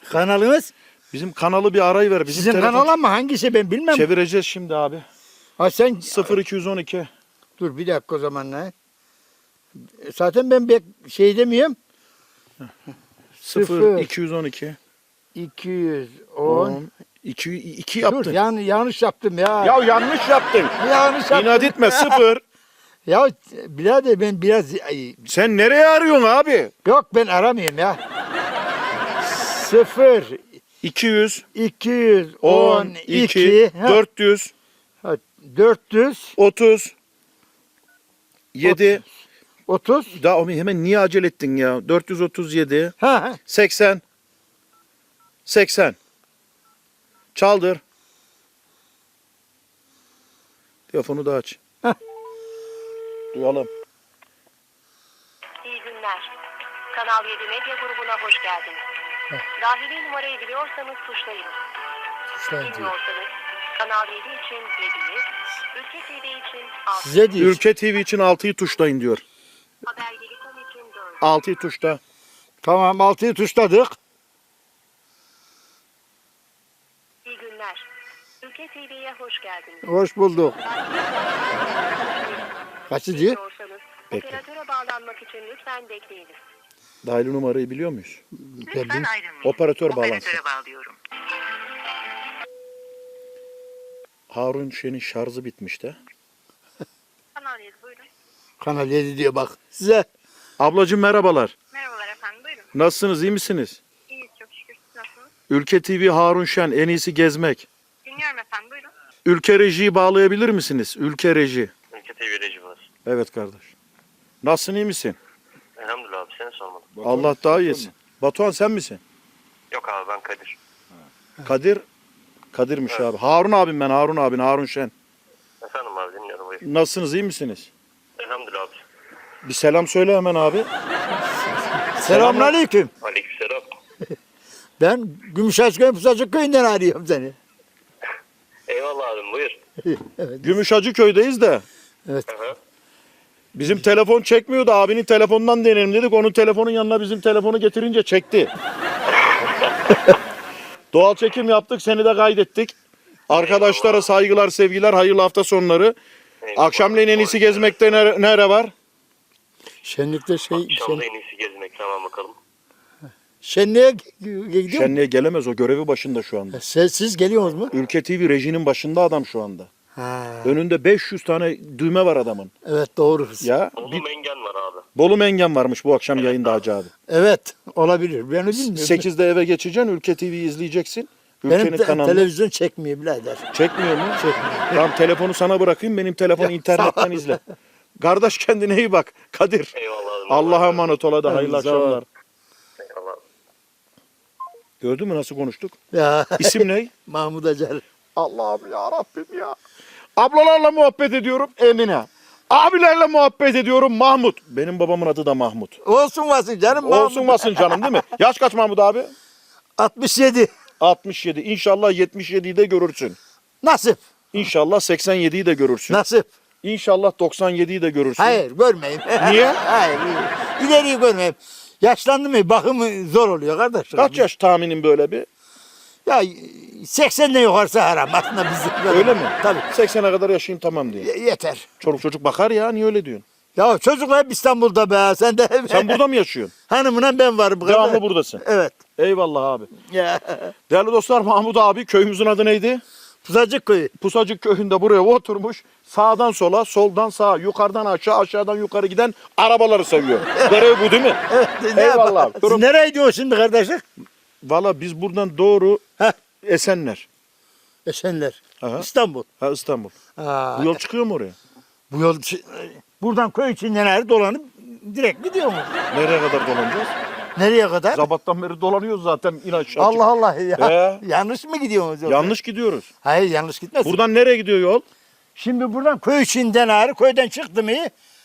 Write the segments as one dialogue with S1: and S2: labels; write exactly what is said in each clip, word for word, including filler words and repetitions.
S1: Kanalınız?
S2: Bizim kanalı bir arayı ver. Bizim
S1: Sizin
S2: telefon...
S1: kanal ama hangisi ben bilmem.
S2: Çevireceğiz şimdi abi.
S1: Ha sen
S2: sıfır iki yüz on iki.
S1: dur bir dakika o zaman ne? Zaten ben bek şey demiyorum.
S2: sıfır iki yüz on iki.
S1: iki yüz on.
S2: iki, iki
S1: Dur
S2: yaptın.
S1: yan, yanlış yaptım ya.
S2: Ya yanlış yaptın.
S1: yanlış yaptım.
S2: İnat etme sıfır.
S1: Ya birader ben biraz ay,
S2: Sen nereye arıyorsun abi?
S1: yok ben aramayayım ya. sıfır
S2: iki yüz
S1: iki yüz
S2: on
S1: on
S2: iki
S1: iki
S2: dört yüz
S1: dört yüz
S2: otuz yedi.
S1: otuz.
S2: Daha oğlum hemen niye acele ettin ya? dört yüz otuz yedi
S1: Ha ha.
S2: seksen seksen. Çaldır. Telefonu da aç.
S1: Heh.
S2: Duyalım.
S3: İyi günler. Kanal yedi Medya grubuna hoş geldiniz. Dahili numarayı biliyorsanız tuşlayın. Bilmiyorsanız Kanal yedi için yediyi, Ülke T V için altı,
S1: Size değil.
S2: Ülke T V için altıyı tuşlayın diyor.
S3: Habergelik.com için dört.
S2: altıyı tuşla.
S1: Tamam altıyı tuşladık.
S3: İyi günler. Ülke T V'ye hoş geldiniz.
S1: Hoş bulduk. Kaçıncı?
S3: Bilmiyorsanız
S2: Bekle.
S3: operatöre bağlanmak için lütfen bekleyiniz.
S2: Dahili numarayı biliyor muyuz?
S3: Lütfen
S1: Geldim.
S3: ayrılmayın.
S2: Operatör bağlansın.
S3: Operatöre bağlıyorum.
S2: Harun Şen'in şarjı bitmiş de.
S3: Kanal yedi buyurun.
S1: Kanal yedi diyor bak. Size
S2: Ablacığım merhabalar.
S3: Merhabalar efendim buyurun.
S2: Nasılsınız, iyi misiniz?
S3: İyiyiz çok şükür. Siz nasılsınız?
S2: Ülke T V Harun Şen, en iyisi gezmek.
S3: Dinliyorum efendim buyurun.
S2: Ülke Reji'yi bağlayabilir misiniz? Ülke Reji.
S4: Ülke T V reji var.
S2: Evet kardeş. Nasılsın, iyi misin?
S4: Elhamdülillah abi seni sormadım.
S2: Allah daha iyisin. Batuhan sen misin?
S4: Yok abi ben Kadir.
S2: Kadir. Kadir'miş abi. Harun abim ben, Harun abin, Harun Şen.
S4: Efendim abi dinliyorum buyur.
S2: Nasılsınız, iyi misiniz?
S4: Elhamdülillah abi.
S2: Bir selam söyle hemen abi.
S1: selamünaleyküm.
S4: Aleykümselam.
S1: Ben Gümüşhaçköy Pusacık köyünden arıyorum seni.
S4: Eyvallah abim buyur.
S2: Gümüşhacı köydeyiz de.
S1: Evet.
S4: Hı hı.
S2: Bizim telefon çekmiyordu. Abinin telefonundan deneyelim dedik. Onun telefonun yanına bizim telefonu getirince çekti. Doğal çekim yaptık. Seni de kaydettik. Arkadaşlara saygılar, sevgiler, hayırlı hafta sonları.
S4: Eyvallah.
S2: Akşamleyin en iyisi gezmekte nere, nere var?
S1: Şenlikte şey,
S4: Akşamda
S1: şen,
S4: en iyisi gezmek tamam bakalım.
S1: şenliğe gidiyor mu?
S2: Şenliğe gelemez, o görevi başında şu anda.
S1: Siz, siz geliyorsunuz mu?
S2: Ülke T V rejinin başında adam şu anda.
S1: Ha.
S2: Önünde beş yüz tane düğme var adamın.
S1: Evet doğru.
S2: Ya
S4: Bolu
S2: bir,
S4: Mengen var abi.
S2: Bolu Mengen varmış bu akşam yayında Hacı abi.
S1: Evet olabilir. Ben bilmiyorum.
S2: sekizde eve geçeceksin, Ülke T V'yi izleyeceksin.
S1: Benim
S2: Ülkenin
S1: te-
S2: kanalını.
S1: televizyon çekmiyor birader.
S2: Çekmiyor mu? Tamam telefonu sana bırakayım, benim telefonu internetten izle. Kardeş kendine iyi bak. Kadir.
S4: Eyvallah abim.
S2: Allah'a emanet ol, hadi hayırlı
S1: Hadi, sağ ol.
S2: akşamlar.
S4: Eyvallah abi.
S2: Gördün mü nasıl konuştuk?
S1: Ya.
S2: İsim ne?
S1: Mahmut Acar.
S2: Allah'ım ya Rabbim ya. Ablalarla muhabbet ediyorum Emine. Abilerle muhabbet ediyorum Mahmut. Benim babamın adı da Mahmut.
S1: Olsun vasın canım Mahmut.
S2: Olsun basın canım değil mi? Yaş kaç Mahmut abi?
S1: altmış yedi.
S2: altmış yedi. İnşallah yetmiş yediyi de görürsün.
S1: Nasip.
S2: İnşallah seksen yediyi de görürsün.
S1: Nasip.
S2: İnşallah doksan yediyi de görürsün.
S1: Hayır görmeyeyim.
S2: Niye?
S1: Hayır. İleriyi görmeyeyim. Yaşlandı mı bakımı zor oluyor kardeş.
S2: Kaç yaş tahminin böyle bir?
S1: Ya seksenden yukarısı haram aslında bizim.
S2: Öyle mi?
S1: Tabii.
S2: seksene kadar yaşayayım tamam diye.
S1: Y- yeter.
S2: Çoluk çocuk bakar ya, niye öyle diyorsun?
S1: Ya çocuklar hep İstanbul'da be. Sen de
S2: Sen burada mı yaşıyorsun?
S1: hanımla ben varım. bu
S2: Devamlı
S1: kadar.
S2: buradasın.
S1: Evet.
S2: Eyvallah abi.
S1: Ya.
S2: Değerli dostlar, Mahmut abi, köyümüzün adı neydi?
S1: Pusacık köyü.
S2: Pusacık köyünde buraya oturmuş. Sağdan sola, soldan sağa, yukarıdan aşağı, aşağıdan yukarı giden arabaları seviyor. Görev bu değil mi?
S1: Evet. ne
S2: Eyvallah.
S1: yapalım? Siz
S2: Durum-
S1: nereye gidiyorsun şimdi kardeşlik?
S2: Valla biz buradan doğru
S1: Heh.
S2: Esenler.
S1: Esenler.
S2: Aha.
S1: İstanbul.
S2: Ha İstanbul.
S1: Aa,
S2: Bu yol çıkıyor mu oraya?
S1: bu yol buradan köy içinden her dolanıp direkt gidiyor mu?
S2: Nereye kadar dolanacağız?
S1: Nereye kadar?
S2: Sabahtan beri dolanıyoruz zaten. İn aşağı
S1: Allah Allah ya.
S2: Ee?
S1: Yanlış mı gidiyorsunuz yoksa?
S2: Yanlış gidiyoruz.
S1: Hayır yanlış gitmez.
S2: Buradan nereye gidiyor yol?
S1: Şimdi buradan köy içinden ağrı köyden çıktı mı?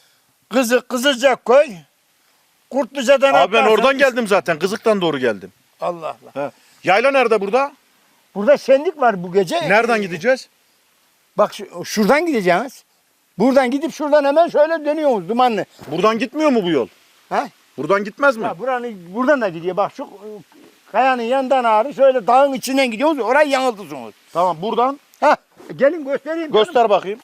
S1: Kızı Kızılcak köy. Kurtluca'dan
S2: Abi ben
S1: atlarsan-
S2: oradan geldim zaten. Kızık'tan doğru geldim.
S1: Allah Allah.
S2: Ha. Yayla nerede burada?
S1: Burada şenlik var bu gece.
S2: Nereden gideceğiz?
S1: Bak şu- şuradan gideceğiz. Buradan gidip şuradan hemen şöyle dönüyoruz dumanlı.
S2: Buradan gitmiyor mu bu yol?
S1: Ha?
S2: Buradan gitmez mi?
S1: Ha buranın buradan da gidiyor. Bak şu Kayanın yanından ağrı şöyle dağın içinden gidiyorsunuz. Orayı yanıltırsınız.
S2: Tamam buradan
S1: Heh, gelin göstereyim.
S2: göster bakayım.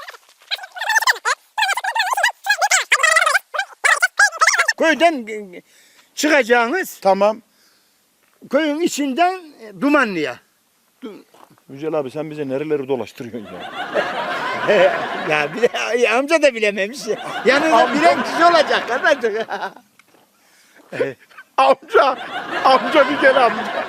S1: Köyden e, çıkacağınız
S2: Tamam.
S1: köyün içinden e, Dumanlı'ya.
S2: Yücel abi sen bize nereleri dolaştırıyorsun ya?
S1: Ya bir de, ya amca da bilememiş ya. Yanında bilen kişi olacak kardeşim.
S2: Amca, amca bir gel amca.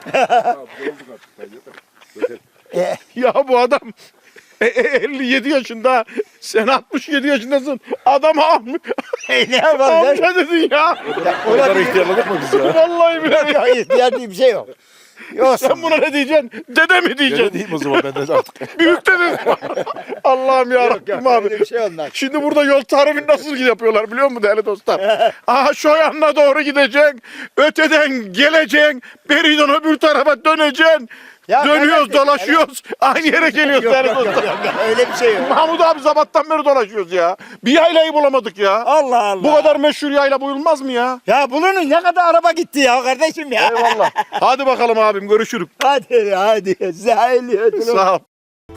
S1: E,
S2: Ya bu adam e, e, elli yedi yaşında, sen altmış yedi yaşındasın. Adam am
S1: e, ne yapalım? ya?
S2: amca dedin ya.
S1: O kadar
S2: ihtiyarladık mı biz ya? Vallahi billahi.
S1: Ya, ihtiyar diye bir şey yok. Yoksa
S2: Sen buna ne diyeceksin? Dede mi diyeceksin?
S5: Diyeyim o zaman ben de artık.
S2: Büyük dede. Allah'ım ya Rabbim abi.
S1: öyle bir şey olmaz.
S2: Şimdi burada yol tarifini nasıl yapıyorlar biliyor musun değerli dostlar? Aha şu yanına doğru gideceksin. Öteden geleceksin. Beriden öbür tarafa döneceksin.
S1: Ya
S2: Dönüyoruz,
S1: kardeşim,
S2: dolaşıyoruz. Aynı yere geliyoruz
S1: Yok,
S2: değerli
S1: yok, yok,
S2: dostlar.
S1: yok, yok, öyle bir şey yok.
S2: Mahmut abi sabahtan beri dolaşıyoruz ya. Bir yaylayı bulamadık ya.
S1: Allah Allah.
S2: Bu kadar meşhur yayla buyulmaz mı ya?
S1: Ya bunun ne kadar araba gitti ya kardeşim ya.
S2: Eyvallah. Hadi bakalım abim görüşürük.
S1: Hadi hadi. Size hayırlı yolculuk.
S2: Sağ ol.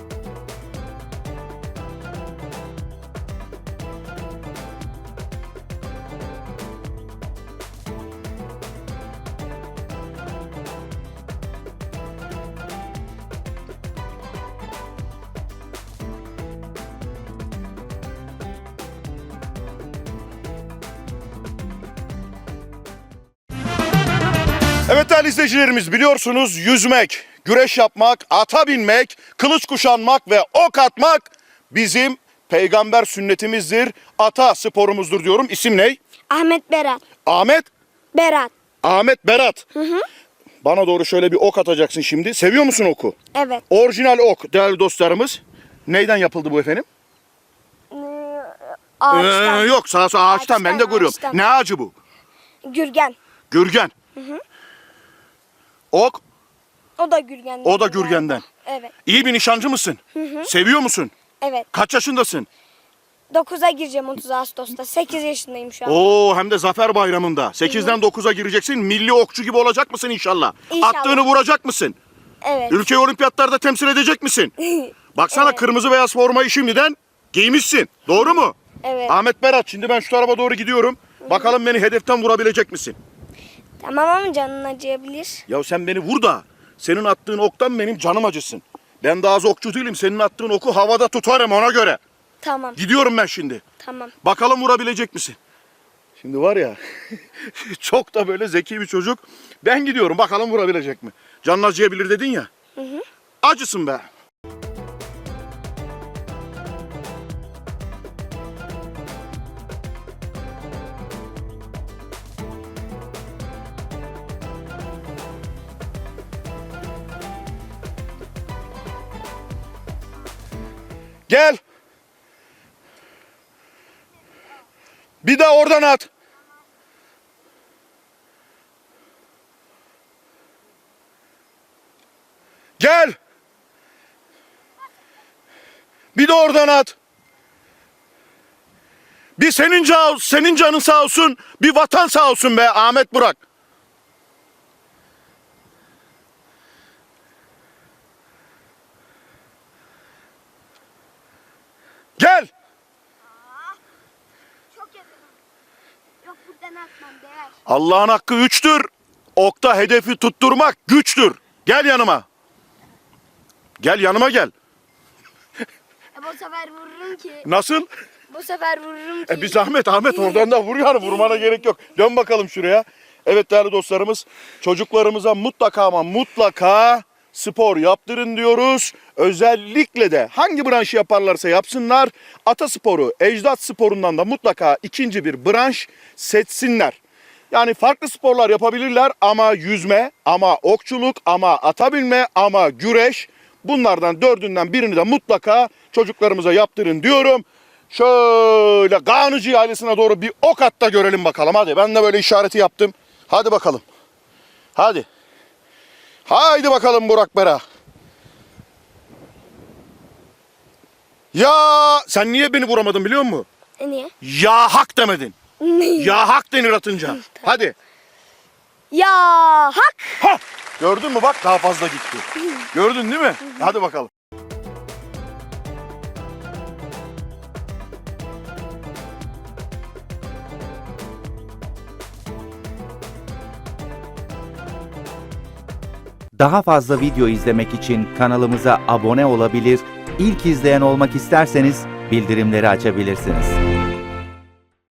S2: Evet değerli izleyicilerimiz biliyorsunuz yüzmek, güreş yapmak, ata binmek, kılıç kuşanmak ve ok atmak bizim peygamber sünnetimizdir. Ata sporumuzdur diyorum. İsim ne?
S6: Ahmet Berat.
S2: Ahmet?
S6: Berat.
S2: Ahmet Berat. Bana doğru şöyle bir ok atacaksın şimdi. Seviyor musun oku?
S6: Evet.
S2: Orijinal ok değerli dostlarımız. Neyden yapıldı bu efendim?
S6: Ağaçtan.
S2: Ee, yok sağ sağ ağaçtan, ben de
S6: Ağaçtan,
S2: görüyorum.
S6: ağaçtan.
S2: Ne ağacı bu?
S6: Gürgen.
S2: Gürgen. Ok,
S6: O da Gürgen'den.
S2: o da Gürgen'den.
S6: Evet.
S2: İyi bir nişancı mısın? Seviyor musun?
S6: Evet.
S2: Kaç yaşındasın?
S6: dokuza gireceğim otuz Ağustos'ta. sekiz yaşındayım şu an.
S2: Oo hem de Zafer Bayramı'nda. sekizden dokuza gireceksin. Milli okçu gibi olacak mısın inşallah?
S6: İnşallah.
S2: Attığını vuracak mısın?
S6: Evet.
S2: Ülkeyi olimpiyatlarda temsil edecek misin? Baksana
S6: Evet.
S2: kırmızı beyaz formayı şimdiden giymişsin. Doğru mu?
S6: Evet.
S2: Ahmet Berat şimdi ben şu tarafa doğru gidiyorum. Bakalım beni hedeften vurabilecek misin?
S6: Tamam ama canın acıyabilir.
S2: Ya sen beni vur da senin attığın oktan benim canım acısın. Ben daha az okçu değilim. Senin attığın oku havada tutarım ona göre.
S6: Tamam.
S2: Gidiyorum ben şimdi.
S6: Tamam.
S2: Bakalım vurabilecek misin? Şimdi var ya çok da böyle zeki bir çocuk. Ben gidiyorum bakalım vurabilecek mi? Canın acıyabilir dedin ya.
S6: Hı hı.
S2: Acısın be. Gel. Bir daha oradan at. Gel. Bir de oradan at. Bir senin, can, senin canın sağ olsun, bir vatan sağ olsun be Ahmet Burak. Gel.
S6: Çok yakın. Yok buradan atmam değer.
S2: Allah'ın hakkı üçtür. Okta hedefi tutturmak güçtür. Gel yanıma. Gel yanıma gel.
S6: E, bu sefer vururum ki.
S2: Nasıl?
S6: Bu sefer vururum ki.
S2: E bir zahmet Ahmet oradan da vur yani vurmana gerek yok. Dön bakalım şuraya. Evet değerli dostlarımız çocuklarımıza mutlaka ama mutlaka spor yaptırın diyoruz. Özellikle de hangi branşı yaparlarsa yapsınlar ata sporu, ecdat sporundan da mutlaka ikinci bir branş seçsinler. Yani farklı sporlar yapabilirler ama yüzme, ama okçuluk, ama ata binme, ama güreş bunlardan dördünden birini de mutlaka çocuklarımıza yaptırın diyorum. Şöyle Gağnıcı ailesine doğru bir ok at da görelim bakalım. Hadi ben de böyle işareti yaptım. Hadi bakalım. Hadi. Haydi bakalım Burak Bera. Ya sen niye beni vuramadın biliyor musun?
S6: E, niye?
S2: Ya hak demedin. Ya hak denir atınca. Hadi.
S6: Ya hak.
S2: Ha! Gördün mü bak daha fazla gitti. Gördün değil mi? Hadi bakalım.
S5: Daha fazla video izlemek için kanalımıza abone olabilir, ilk izleyen olmak isterseniz bildirimleri açabilirsiniz.